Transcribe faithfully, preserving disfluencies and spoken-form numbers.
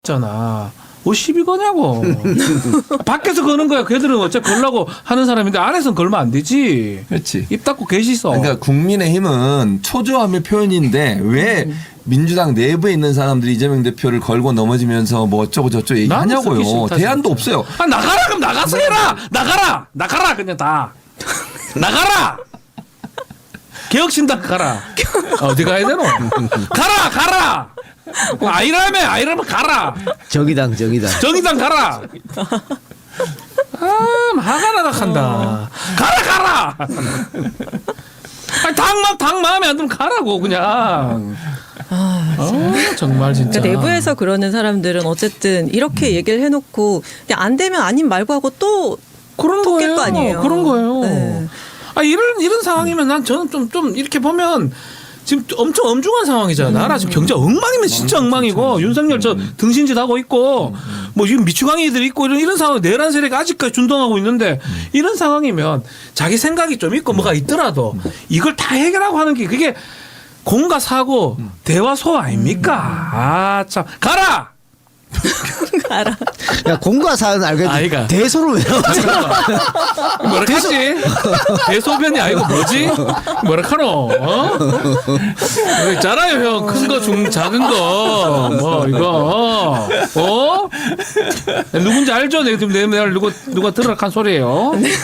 잖아. 뭐 시비 거냐고. 밖에서 거는 거야. 걔들은 어차피 걸라고 하는 사람인데 안에서는 걸면 안 되지. 그렇지. 입 닫고 계시소. 그러니까 국민의힘은 초조함의 표현인데 왜 음. 민주당 내부에 있는 사람들이 이재명 대표를 걸고 넘어지면서 뭐 어쩌고 저쩌고 얘기하냐고요. 대안도 없어요. 아, 나가라 그럼 나가서 해라. 나가라. 나가라 그냥 다. 나가라. 개혁신당 가라. 어디 가야 되노? 가라 가라. 아이라며 아이라면 가라. 정의당 정의당. 정의당 가라. 아, 화가 나가 한다. 가라 가라. 아니, 당, 당 마음에 안 들면 가라고 그냥. 아, 어, 정말 진짜. 그러니까 내부에서 그러는 사람들은 어쨌든 이렇게 음. 얘기를 해놓고 그냥 안 되면 아닌 말고 하고 또 그런 또 깰 거예요. 거 아니에요. 그런 거예요. 네. 아 이런 이런 상황이면 난 저는 좀 좀 이렇게 보면 지금 엄청 엄중한 상황이잖아. 나라 지금 경제 엉망이면 진짜 엉망이고 윤석열 저 등신짓 하고 있고 뭐 지금 미추광이들 있고 이런 이런 상황 내란 세력이 아직까지 준동하고 있는데 이런 상황이면 자기 생각이 좀 있고 뭐가 있더라도 이걸 다 해결하고 하는 게 그게 공과 사고 대화 소 아닙니까? 아 참 가라. 알아. 야 공과 사는 알겠지. 아이가. 대소를 왜 나왔어? 뭐라 하지? 대소변이 아니고 뭐지? 뭐라 카노? 어? 이거 있잖아요 형. 큰 거, 중, 작은 거. 뭐 이거. 어? 누군지 알죠? 내가 지금 내 말 누가 누가 들으라 한 소리예요.